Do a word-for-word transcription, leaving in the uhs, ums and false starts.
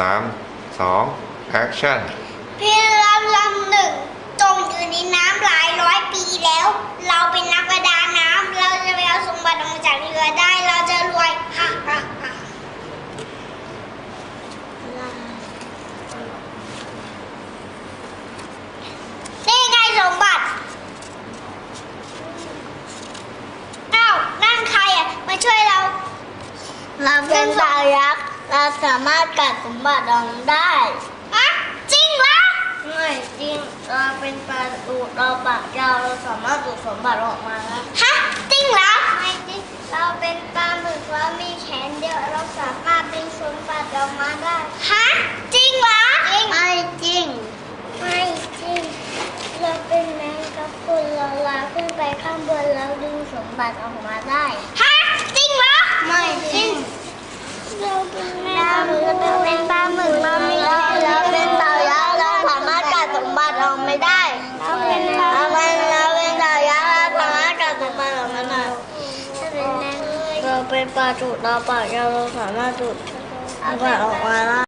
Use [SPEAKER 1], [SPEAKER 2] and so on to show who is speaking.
[SPEAKER 1] ามสองแอคชั่น
[SPEAKER 2] พี่ลำลำหนึ่งจมอยู่ในน้ำหลายร้อยปีแล้ว เราเป็นนักประดาน้ำเราจะไปเอาสมบัติออกมาจากเรือได้เราจะรวยฮ่าฮ่าฮ่านี่ไงสมบัติอ้าวนั่นใครอ่ะมาช่วยเราเราเป็นดาวยักษ์เราสามารถกัดสมบัติออกได้อะจริงเหรอไม่จริงเราเป็นปลาดูดเราปากยาวเราสามารถดูดสมบัติออกมาแล้วฮะจริงเหรอไม่จริงเราเป็นปลาหมึกเรามีแขนเดียวเราสามารถดึงสมบัติออกมาได้ฮะจริงเหรอจริงไม่จริงไม่จริงเราเป็นแมงกะพรุนเราลาขึ้นไปข้างบนแล้วดึงสมบัติออกมาได้ฮะจริงเหรอไม่จริงเราเป็นแมงกะพรุนเราเป็นปลาหมึกเรามีเราเป็นเต่ายักษ์เราสามารถกัดสมบัติออกไม่ได้เราเป็นเราเป็นเราเป็นเต่ายักษ์เราสามารถกัดสมบัติออกมาได้เราเป็นปลาจุดเราปากยาวเราสามารถจุดสมบัติออกมาได้